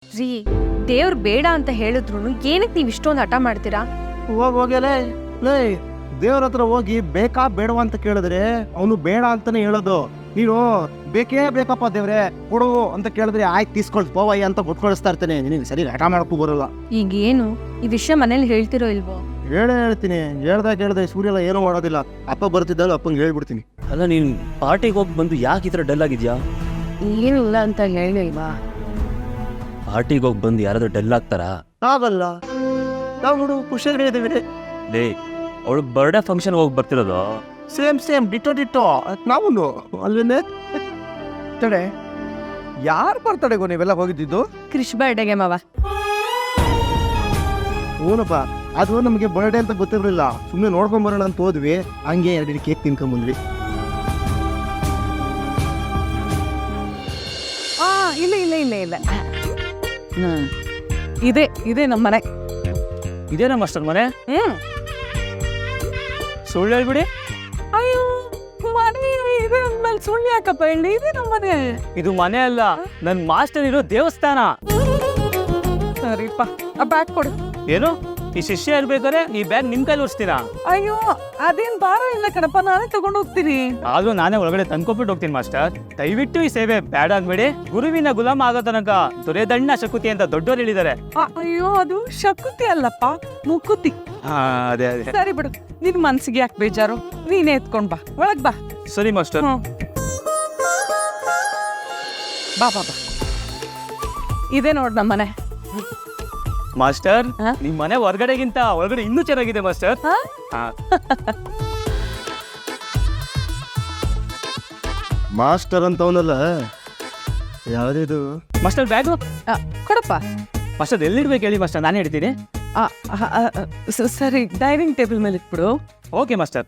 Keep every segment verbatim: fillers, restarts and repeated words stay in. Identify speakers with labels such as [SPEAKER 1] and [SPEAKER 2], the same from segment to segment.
[SPEAKER 1] ರೀ ದೇವ್ರು ಬೇಡ ಅಂತ ಹೇಳಿದ್ರು ಏನಕ್ಕೆ ನೀವು ಇಷ್ಟೊಂದು ಹಠ ಮಾಡ್ತೀರಾ?
[SPEAKER 2] ಹೋಗಿ ಹೋಗ್ಯಲೇ ಲೇ ದೇವ್ರ ಹತ್ರ ಹೋಗಿ ಬೇಕಾ ಬೇಡವಾ ಅಂತ ಕೇಳಿದ್ರೆ ಅವನು ಬೇಡ ಅಂತಾನೆ ಹೇಳೋದು. ನೀನು ಬೇಕೇ ಬೇಕಪ್ಪ ದೇವ್ರೆ ಕೊಡು ಅಂತ ಕೇಳಿದ್ರೆ ಆಯ್ತು ತೀಸ್ಕೊಳ್ ಪೋವಯ್ಯ ಅಂತ ಕೊಟ್ಕೊಳಿಸ್ತಾ ಇರ್ತೇನೆ. ನಿನಗೆ ಸರಿ ಹಠ ಮಾಡಕ್ಕೂ ಬರೋಲ್ಲ.
[SPEAKER 1] ಈಗ ಏನು ಈ ವಿಷಯ ಮನೇಲಿ ಹೇಳ್ತಿರೋ ಇಲ್ವೋ?
[SPEAKER 2] ಹೇಳೇ ಹೇಳ್ತೀನಿ. ಹೇಳ್ದಾಗ ಹೇಳ್ದೆ ಸೂರ್ಯ ಎಲ್ಲ ಏನೂ ಮಾಡೋದಿಲ್ಲ. ಅಪ್ಪ ಬರ್ತಿದ್ದಲ್ಲ ಅಪ್ಪಂಗೆ ಹೇಳ್ಬಿಡ್ತೀನಿ.
[SPEAKER 3] ಅಲ್ಲ ನೀನು ಪಾರ್ಟಿಗೆ ಹೋಗಿ ಬಂದು ಯಾಕೆ ಈ ಥರ ಡಲ್ ಆಗಿದ್ಯಾ?
[SPEAKER 1] ಏನಿಲ್ಲ ಅಂತ ಹೇಳಿಲ್ವಾ?
[SPEAKER 3] ಪಾರ್ಟಿಗೆ ಹೋಗಿ ಬಂದು ಯಾರಾದ್ರೂ ಡಲ್ ಆಗ್ತಾರಾ?
[SPEAKER 2] ಆಗಲ್ಲ. ನಾವು ನೋಡು ಖುಷಿಯಾಗಿ ಇದ್ದೀವಿ.
[SPEAKER 3] ಲೇ ಅವಳು ಬರ್ಡೇ ಫಂಕ್ಷನ್ ಹೋಗಿ ಬರ್ತಿರೋದು.
[SPEAKER 2] ಸೇಮ್ ಸೇಮ್ ಡಿಟೋ ಡಿಟೋ ನಾವು ಅಲ್ವೇನೆ. ತಡೆ, ಯಾರು ಬರ್ತಡೆಗೋ ನೀವೆಲ್ಲ ಹೋಗಿದ್ದಿದ್ದು?
[SPEAKER 1] ಕ್ರಿಶ್ ಬರ್ಡೆಗೆ ಮಾವ.
[SPEAKER 2] ಹೂನಪ್ಪ, ಅದು ನಮಗೆ ಬರ್ಡೇ ಅಂತ ಗೊತ್ತಿರಲಿಲ್ಲ. ಸುಮ್ಮನೆ ನೋಡ್ಕೊಂಬರೋಣ ಅಂತ ಹೋದ್ವಿ. ಹಂಗೆ ಎರಡು ಕೇಕ್ ತಿನ್ಕೊಂಬಂದ್ವಿ.
[SPEAKER 4] ಆ ಇಲ್ಲ ಇಲ್ಲ ಇಲ್ಲ ಇಲ್ಲ ಇದೆ ಇದೆ ನಮ್ಮ ಮನೆ.
[SPEAKER 3] ಇದೇನಾ ಮಾಸ್ಟರ್ ಮನೆ?
[SPEAKER 4] ಹ್ಮ್
[SPEAKER 3] ಸುಳ್ಳು ಹೇಳ್ಬಿಡಿ.
[SPEAKER 4] ಅಯ್ಯೋ ಮನೆ ಇದೆ ಅಂದ್ಮೇಲೆ ಸುಳ್ಳು ಯಾಕಪ್ಪ ಹೇಳಿ? ಇದೆ ನಮ್ಮ ಮನೆ.
[SPEAKER 3] ಇದು ಮನೆ ಅಲ್ಲ, ನನ್ ಮಾಸ್ಟರ್ ಇರೋ ದೇವಸ್ಥಾನ.
[SPEAKER 4] ಸರಿಪ್ಪ ಆ ಬ್ಯಾಗ್ ಕೊಡು.
[SPEAKER 3] ಏನು ಈ ಶಿಷ್ಯ ಇರ್ಬೇಕಾದ್ರೆ ಈ ಬ್ಯಾಗ್ ನಿಮ್ ಕೈಲಿ ಓಡಿಸ್ತೀರಾ?
[SPEAKER 4] ಅಯ್ಯೋ ಅದೇನ್ ಭಾರ ಇಲ್ಲ ಕಣಪ್ಪ, ನಾನೇ ತಗೊಂಡು ಹೋಗ್ತೀನಿ.
[SPEAKER 3] ಆದ್ರೂ ನಾನೇ ಒಳಗಡೆ ತಂದ್ಕೊಬಿಟ್ಟು ಹೋಗ್ತೀನಿ ಮಾಸ್ಟರ್. ದಯವಿಟ್ಟು ಈ ಸೇವೆ ಬೇಡ ಅನ್ಬೇಡಿ. ಗುರುವಿನ ಗುಲಾಮ ಆಗೋ ತನಕ ದೊರೆದಣ್ಣ ಶಕುತಿ ಅಂತ ದೊಡ್ಡವರು ಹೇಳಿದ್ದಾರೆ.
[SPEAKER 4] ಅಯ್ಯೋ ಅದು ಶಕುತಿ ಅಲ್ಲಪ್ಪ, ಮುಕುತಿ.
[SPEAKER 3] ಹಾ ಅದೇ ಅದೇ.
[SPEAKER 4] ಸರಿ ಬಿಡು, ನಿನ್ ಮನ್ಸಿಗೆ ಯಾಕೆ ಬೇಜಾರು? ನೀನೇ ಎತ್ಕೊಂಡ್ ಬಾ, ಒಳಗ್ ಬಾ.
[SPEAKER 3] ಸರಿ ಮಾಸ್ಟರ್.
[SPEAKER 4] ಹ್ಮ್. ಬಾ ಬಾ ಬಾ. ಇದೆ ನೋಡ್ ನಮ್ಮ ಮನೆ.
[SPEAKER 3] ಮಾಸ್ಟರ್
[SPEAKER 4] ಹಾ?
[SPEAKER 3] ನಿಮ್ ಮನೆ ಹೊರಗಡೆಗಿಂತ ಒಳಗಡೆ ಇನ್ನೂ ಚೆನ್ನಾಗಿದೆ ಮಾಸ್ಟರ್.
[SPEAKER 4] ಹಾ?
[SPEAKER 3] ಹಾ.
[SPEAKER 2] ಮಾಸ್ಟರ್ ಅಂತ ಅವನಲ್ಲ ಯಾವ್ದಿದು?
[SPEAKER 3] ಮಾಸ್ಟರ್ ಬ್ಯಾಗು
[SPEAKER 4] ಆ, ಕೊಡಪ್ಪ.
[SPEAKER 3] ಮಾಸ್ಟರ್ ಎಲ್ಲಿಡ್ಬೇಕು ಹೇಳಿ ಮಾಸ್ಟರ್, ನಾನೇ ಇಡ್ತೀನಿ.
[SPEAKER 4] ಆ, ಆ, ಆ, ಸ- ಸರಿ ಡೈನಿಂಗ್ ಟೇಬಲ್ ಮೇಲೆ ಇಟ್ಬಿಡು.
[SPEAKER 3] Okay master.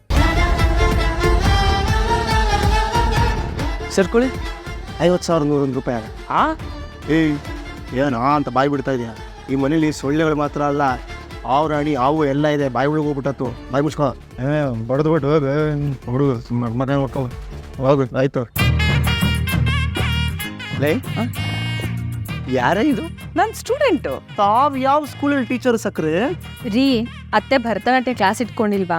[SPEAKER 3] ಸರ್ಕೊಳ್ಳಿ.
[SPEAKER 2] ಐವತ್ತು ಸಾವಿರ ನೂರೊಂದು ರೂಪಾಯಿ ಆಗ.
[SPEAKER 3] ಹಾ
[SPEAKER 2] ಏಯ್ ಏನಾ ಅಂತ ಬಾಯಿ ಬಿಡ್ತಾ ಇದೆಯಾ? ಈ ಮನೇಲಿ ಸೊಳ್ಳೆಗಳು ಮಾತ್ರ ಅಲ್ಲ, ಆವು ರಾಣಿ ಆವು ಎಲ್ಲ ಇದೆ. ಬಾಯಿ ಒಳಗೆ ಹೋಗ್ಬಿಟ್ಟತ್ತು. ಬಾಯಿ ಮುಚ್ಕೋ. ಏ ಬಡ್ದು ಬಿಟ್ಟು ಹುಡುಗ ಮನೆ ನೋಡ್ಕೊ ಹೋಗು. ಆಯ್ತು. ಲೇ ಯಾರೇ ಇದು?
[SPEAKER 4] ನನ್ ಸ್ಟೂಡೆಂಟು.
[SPEAKER 2] ತಾವ್ ಯಾವ ಸ್ಕೂಲಲ್ಲಿ ಟೀಚರ್ ಸಕ್ರೆ?
[SPEAKER 1] ರೀ ಅತ್ತೆ ಭರತನಾಟ್ಯ ಕ್ಲಾಸ್ ಇಟ್ಕೊಂಡಿಲ್ವಾ?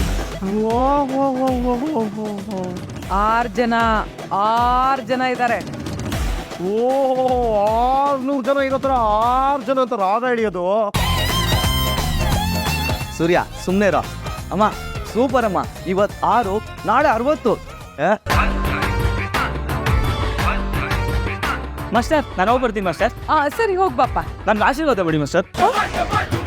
[SPEAKER 4] ಆರ್ ಜನ ಆರ್ ಜನ ಇದ್ದಾರೆ.
[SPEAKER 2] ಓ ಆರ್ನೂರು ಜನ ಇರೋತ್ರ ಆರು ಜನ ಅಂತ ರಾಗ ಹಿಡಿಯೋದು.
[SPEAKER 5] ಸೂರ್ಯ ಸುಮ್ಮನೆ ಇರೋ. ಅಮ್ಮ ಸೂಪರ್ ಅಮ್ಮ, ಇವತ್ತು ಆರು ನಾಳೆ ಅರವತ್ತು.
[SPEAKER 3] ಮಾಸ್ಟರ್ ನಾನು ಹೋಗಿ ಬರ್ತೀನಿ ಮಾಸ್ಟರ್.
[SPEAKER 4] ಆ ಸರಿ ಹೋಗ್ಬಾಪ್ಪ.
[SPEAKER 3] ನನ್ಗೆ ಆಶೀರ್ವಾದ ಬಿಡಿ ಮಾಸ್ಟರ್.